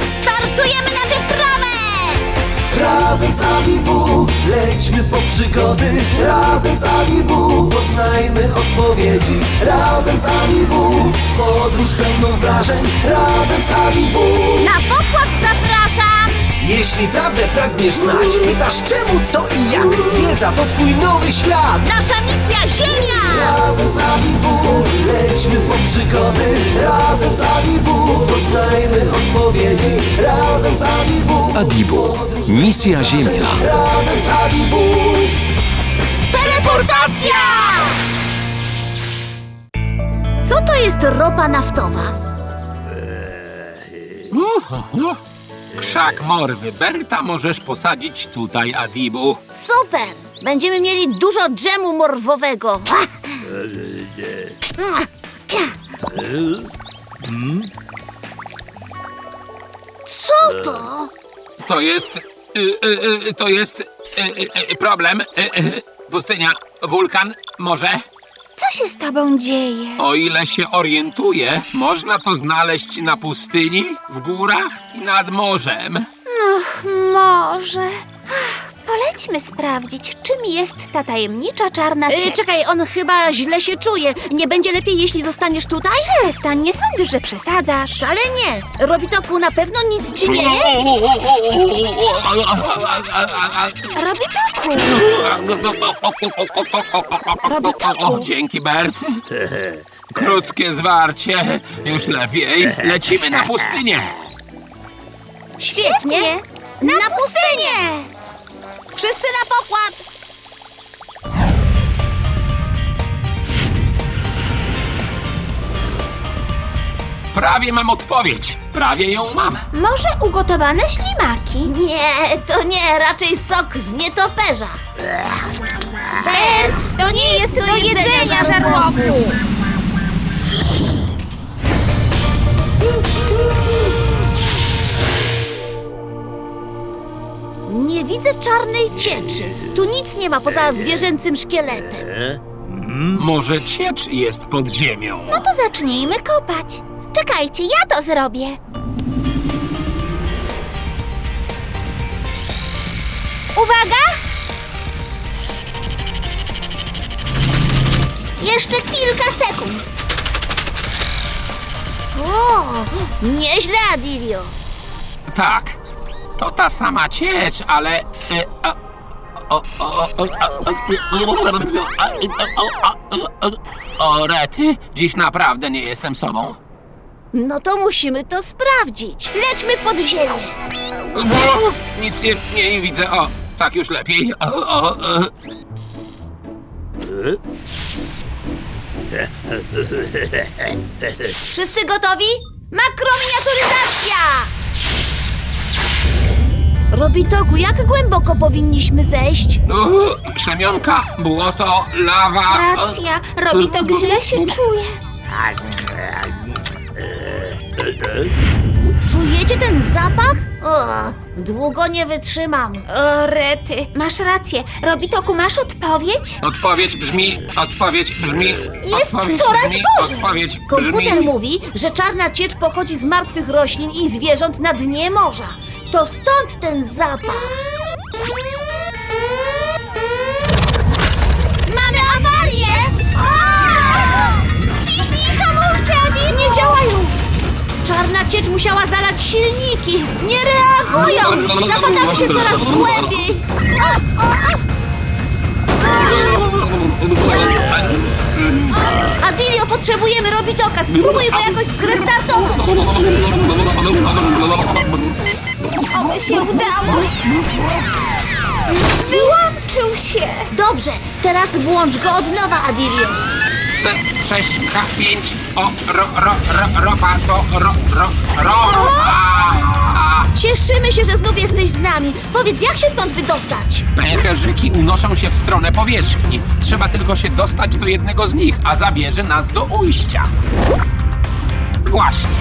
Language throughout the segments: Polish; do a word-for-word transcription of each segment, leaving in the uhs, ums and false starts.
Startujemy na wyprawę! Razem z Adibu lećmy po przygody. Razem z Adibu poznajmy odpowiedzi. Razem z Adibu podróż pełną wrażeń. Razem z Adibu. Na pokład zapraszam! Jeśli prawdę pragniesz znać, pytasz czemu, co i jak. Wiedza to twój nowy świat. Nasza misja Ziemia! Razem z Adibu lećmy po przygody. Razem z Adibu poznajmy odpowiedzi. Razem z Adibu. Adibu. Misja Ziemia. Razem z Adibu. Teleportacja! Co to jest ropa naftowa? Krzak morwy Berta możesz posadzić tutaj, Adibu. Super! Będziemy mieli dużo dżemu morwowego. Co to? To jest... Y, y, y, to jest... Y, y, y, problem. Y, y, pustynia, wulkan, morze. Co się z tobą dzieje? O ile się orientuję, można to znaleźć na pustyni, w górach i nad morzem. Może. Polećmy sprawdzić, czym jest ta tajemnicza czarna ciecz. Ej, czekaj, on chyba źle się czuje. Nie będzie lepiej, jeśli zostaniesz tutaj? Przestań, nie sądzisz, że przesadzasz. Wcale nie. Robitoku, na pewno nic ci nie jest? Robitoku! Robitoku! Dzięki, Bert. Krótkie zwarcie. Już lepiej. Lecimy na pustynię. Świetnie. Na pustynię! Wszyscy na pokład. Prawie mam odpowiedź. Prawie ją mam. Może ugotowane ślimaki? Nie, to nie, raczej sok z nietoperza. Bert, To nie jest do jedzenia, żarłoku! Nie widzę czarnej cieczy. Tu nic nie ma poza zwierzęcym szkieletem. Może ciecz jest pod ziemią. No to zacznijmy kopać. Czekajcie, ja to zrobię. Uwaga! Jeszcze kilka sekund. O, nieźle, Adilio. Tak, to ta sama ciecz, ale... e, a, o, o, o, o, o, o, rety, dziś naprawdę nie jestem sobą. No to musimy to sprawdzić. Lećmy pod ziemię. Nic nie, nie widzę. O, tak już lepiej. O, o, o. Wszyscy gotowi? Makrominiaturyzacja! Robitoku, jak głęboko powinniśmy zejść? U, Krzemionka, błoto, lawa. Racja, Robitok źle się czuje. Czujecie ten zapach? O, długo nie wytrzymam. O, rety, masz rację. Robitoku, masz odpowiedź? Odpowiedź brzmi, odpowiedź brzmi. Jest odpowiedź coraz brzmi, gorzej. Odpowiedź Komputer brzmi. mówi, że czarna ciecz pochodzi z martwych roślin i zwierząt na dnie morza. To stąd ten zapach. Mamy awarię! Wciśnij hamulce, Adi! Nie działają! Czarna ciecz musiała zalać silniki. Nie reagują! Zapadamy się coraz głębiej. Adilio, potrzebujemy Robitoka. Spróbuj go jakoś zrestartować. Oby się udało. Wyłączył się. Dobrze, teraz włącz go od nowa, Adilio. C sześć H pięć O ro, ro, ro, ropa to ro, ro, ro, a, a. Cieszymy się, że znów jesteś z nami. Powiedz, jak się stąd wydostać? Pęcherzyki unoszą się w stronę powierzchni. Trzeba tylko się dostać do jednego z nich, a zabierze nas do ujścia. Właśnie.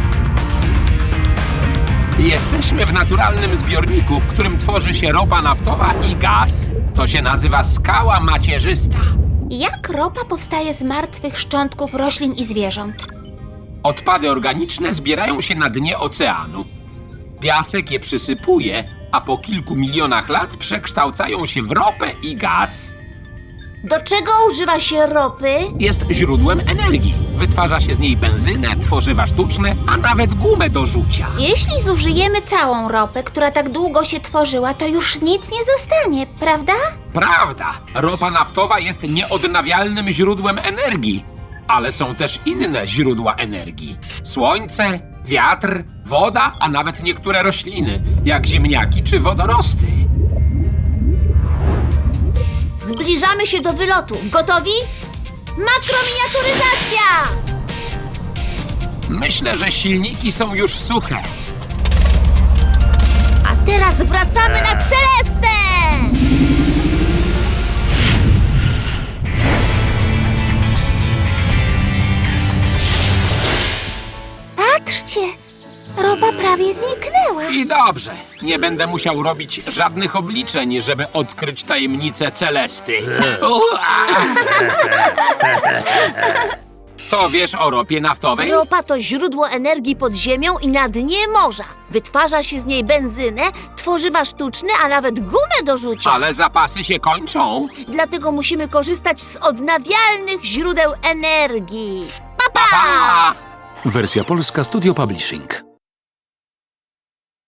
Jesteśmy w naturalnym zbiorniku, w którym tworzy się ropa naftowa i gaz. To się nazywa skała macierzysta. Jak ropa powstaje z martwych szczątków roślin i zwierząt? Odpady organiczne zbierają się na dnie oceanu. Piasek je przysypuje, a po kilku milionach lat przekształcają się w ropę i gaz. Do czego używa się ropy? Jest źródłem energii. Wytwarza się z niej benzynę, tworzywa sztuczne, a nawet gumę do rzucia. Jeśli zużyjemy całą ropę, która tak długo się tworzyła, to już nic nie zostanie, prawda? Prawda, ropa naftowa jest nieodnawialnym źródłem energii, ale są też inne źródła energii. Słońce, wiatr, woda, a nawet niektóre rośliny, jak ziemniaki czy wodorosty. Zbliżamy się do wylotu. Gotowi? Makrominiaturyzacja! Myślę, że silniki są już suche. A teraz wracamy na Celestę! Patrzcie, ropa prawie zniknęła. I dobrze, nie będę musiał robić żadnych obliczeń, żeby odkryć tajemnicę Celesty. Ua! Co wiesz o ropie naftowej? Ropa to źródło energii pod ziemią i na dnie morza. Wytwarza się z niej benzynę, tworzywa sztuczne, a nawet gumę do rzucia. Ale zapasy się kończą. Dlatego musimy korzystać z odnawialnych źródeł energii. Pa, pa! Pa! Wersja polska Studio Publishing.